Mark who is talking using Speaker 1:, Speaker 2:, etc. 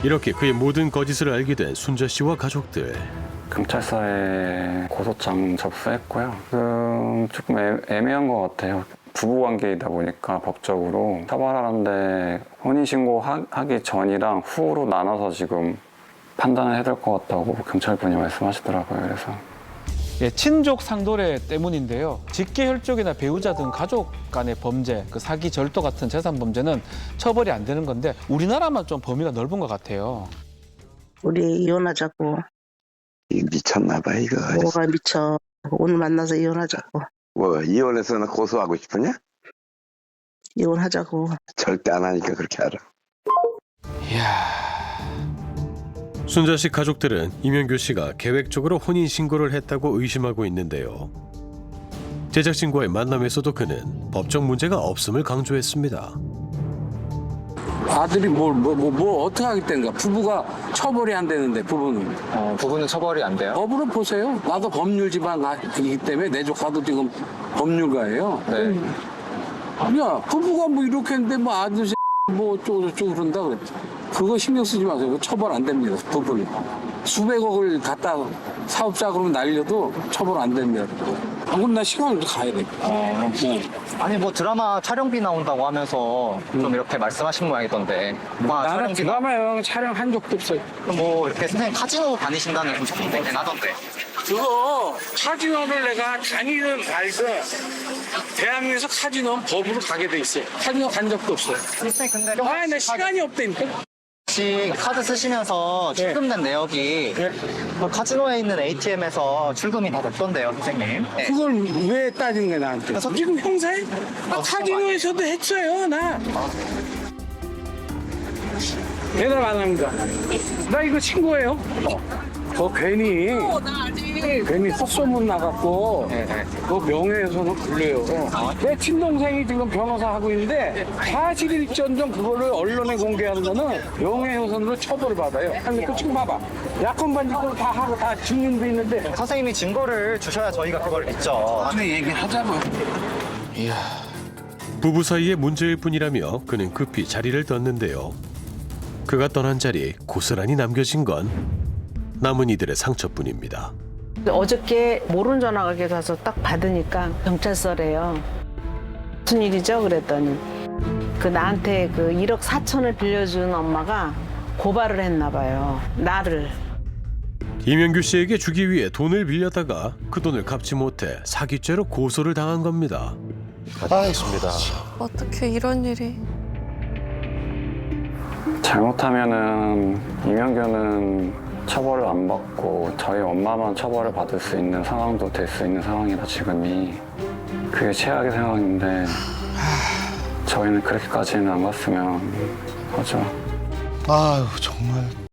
Speaker 1: 이렇게 그의 모든 거짓을 알게 된 순자 씨와 가족들.
Speaker 2: 경찰서에 고소장 접수했고요. 조금 애매한 것 같아요. 부부관계이다 보니까 법적으로 처벌하는데 혼인신고하기 전이랑 후로 나눠서 지금 판단을 해야 될 것 같다고 경찰분이 말씀하시더라고요. 그래서
Speaker 3: 예, 친족 상도례 때문인데요. 직계혈족이나 배우자 등 가족 간의 범죄, 그 사기, 절도 같은 재산 범죄는 처벌이 안 되는 건데 우리나라만 좀 범위가 넓은 것 같아요.
Speaker 4: 우리 이혼하자고.
Speaker 5: 미쳤나 봐 이거.
Speaker 4: 뭐가 미쳐. 오늘 만나서 이혼하자고.
Speaker 5: 뭐 이혼해서는 고소하고 싶으냐?
Speaker 4: 이혼하자고.
Speaker 5: 절대 안 하니까 그렇게 알아.
Speaker 1: 순자 씨 가족들은 이명규 씨가 계획적으로 혼인 신고를 했다고 의심하고 있는데요. 제작진과의 만남에서도 그는 법적 문제가 없음을 강조했습니다.
Speaker 6: 아들이 뭘 어떻게 하겠다는가? 부부가 처벌이 안 되는데 부부는.
Speaker 7: 부부는 처벌이 안 돼요?
Speaker 6: 법으로 보세요. 나도 법률 집안이기 때문에 내 조카도 지금 법률가예요.
Speaker 7: 네.
Speaker 6: 야, 부부가 뭐 이렇게 했는데 뭐 아들 뭐 어쩌고저쩌고 그런다 그랬죠. 그거 신경 쓰지 마세요. 그거 처벌 안 됩니다. 부부는. 수백억을 갖다 사업자 그러면 날려도 처벌 안 됩니다. 안 그럼 나 시간을 가야 돼.
Speaker 7: 아니 뭐 드라마 촬영비 나온다고 하면서 좀 이렇게 말씀하신 모양이던데.
Speaker 6: 나는 드라마형 촬영한 적도 없어요.
Speaker 7: 뭐 이렇게 선생님 카지노 다니신다는 좀 소문도 있긴 하던데.
Speaker 6: 그거 카지노를 내가 다니든 말든 대한민국에서 카지노는 법으로 가게 돼 있어요. 카지노 간 적도 없어요.
Speaker 7: 선생님 근데
Speaker 6: 나 시간이 없다니까.
Speaker 7: 혹시 카드 쓰시면서 출금된 내역이 그 카지노에 있는 ATM에서 출금이 다 됐던데요, 선생님. 네.
Speaker 6: 그걸 왜 따진 거야 나한테? 지금 형사에? 나 카지노에서도 했어요 나. 대답 안 합니다. 나 이거 신고해요. 괜히 헛소문 나갖고 그 명예훼손은 걸려요. 내 친동생이 지금 변호사 하고 있는데 사실일전정 그거를 언론에 공개하는 거는 명예훼손으로 처벌을 받아요. 아니 그 지금 봐봐. 약혼 반지권 다 하고 다 증명도 있는데
Speaker 7: 선생님이 증거를 주셔야 저희가 그걸 믿죠.
Speaker 6: 근데 얘기하자면
Speaker 1: 부부 사이의 문제일 뿐이라며 그는 급히 자리를 떴는데요. 그가 떠난 자리에 고스란히 남겨진 건 남은 이들의 상처뿐입니다.
Speaker 8: 어저께 모르는 전화가 와서 딱 받으니까 경찰서래요. 무슨 일이죠? 그랬더니 그 나한테 그 1억 4천을 빌려준 엄마가 고발을 했나 봐요. 나를.
Speaker 1: 이명규 씨에게 주기 위해 돈을 빌렸다가 그 돈을 갚지 못해 사기죄로 고소를 당한 겁니다.
Speaker 9: 알겠습니다.
Speaker 10: 어떻게 이런 일이.
Speaker 2: 잘못하면은 이명규는 처벌을 안 받고 저희 엄마만 처벌을 받을 수 있는 상황도 될 수 있는 상황이라 지금이 그게 최악의 상황인데 저희는 그렇게까지는 안 갔으면 하죠.
Speaker 9: 아유 정말.